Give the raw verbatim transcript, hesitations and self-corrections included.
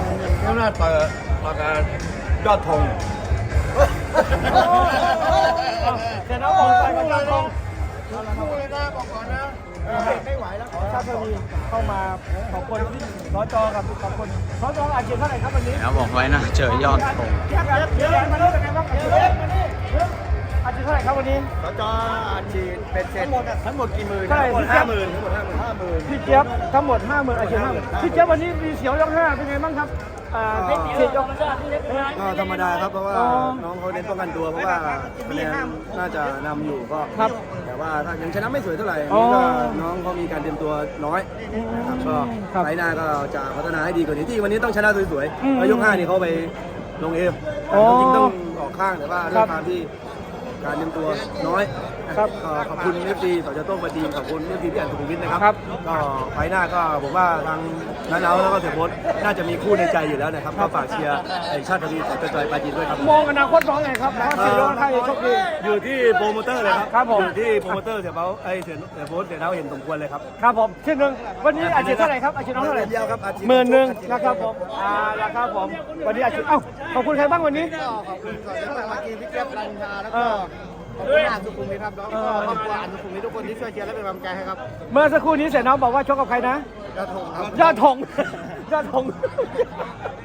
ข้างหน้าต่อยต่อยกันยอดธงเดี๋ยวน้องบอกไปกับยอดธงพูดเลยนะบอกก่อนนะไม่ไหวแล้วชาติทวีเข้ามาขอบคุณสจกับขอบคุณสจอาชีพเท่าไหร่ครับวันนี้แล้วบอกไว้นะเจอยอดธงเดี๋ยวเดี๋ยวมาดูเป็นไงบ้างอาชีพอาชีพเท่าไหร่ครับวันนี้สจอาชีพเป็นเสร็จทั้งหมดทั้งหมดกี่หมื่นเท่าไหร่ห้าหมื่นทั้งหมดห้าหมื่นห้าหมื่นพี่เจี๊ยบทั้งหมดห้าหมื่นอาชีพห้าหมื่นพี่เจี๊ยบวันนี้มีเสียวยกห้าเป็นไงบ้างครับอ่าเสียวยกก็ธรรมดาครับเพราะว่าอ๋อน้องเขาเน้นป้องกันตัวเพราะว่าคะแนนน่าจะนำอยู่ก็ครับแต่ว่าถ้ายังชนะไม่สวยเท่าไหร่อ๋อนี่ก็น้องเขามีการเตรียมตัวน้อยนะครับก็ครับไฟหน้าก็จะพัฒนาให้ดีกว่านี้ที่วันนี้ต้องชนะสวยอืมๆแล้วยกห้านี่เขาไปลงเอฟอ๋อจริงๆต้องออกข้างแต่ว่าคเรื่รัอบ งการที่การเตรียมตัวน้อยครับก็ขอบคุณเอฟซีต่อจะโต้งปฏิมขอบคุณเอฟซีพี่อันสุขุมวิทนะครับครับก็ไฟหน้าก็ผมว่าทางนันเอาแล้วก็เสียโบ๊ทน่าจะมีคู่ในใจอยู่แล้วนะครับก็ฝากเชียร์ไอ้ชาติทวีต่อจะจอยปาจีนด้วยครับมองอนาคตน้องไงครับเพราะเสียวยกค่าจะโชคดีอยู่ที่โปรโมเตอร์เลยครับครับผมอยู่ที่โปรโมเตอร์เสียเบ้าไอ้เสียเสียโบ๊ทเสียเท้าเห็นสมควรเลยครับครับผมชื่อหนึ่งวันนี้อาชีพเท่าไหร่ครับอาชีพน้องเท่าไหร่เดียวครับอาชีพหมื่นหนึ่งนะครับผมอ่าราคาผมวันนี้อาชีพเอ้าขอบคุณใครบ้างวันนี้ก็ขอบคุณก่อนจะมาเมื่อกี้พี่เจี๊ยบรัญชาแล้วเอก็อขอบคุณอ่านสุขุมวิทครับแล้วก็ครอบครัวอ่านสุขุมวิททุกคนที่ช่วยเชียร์และเป็นกำลังใจให้ครับเมื่อสักครู่นี้เสียน้องบอกว่าชกกับใครนะกระทงครับยอดธง ยอดธง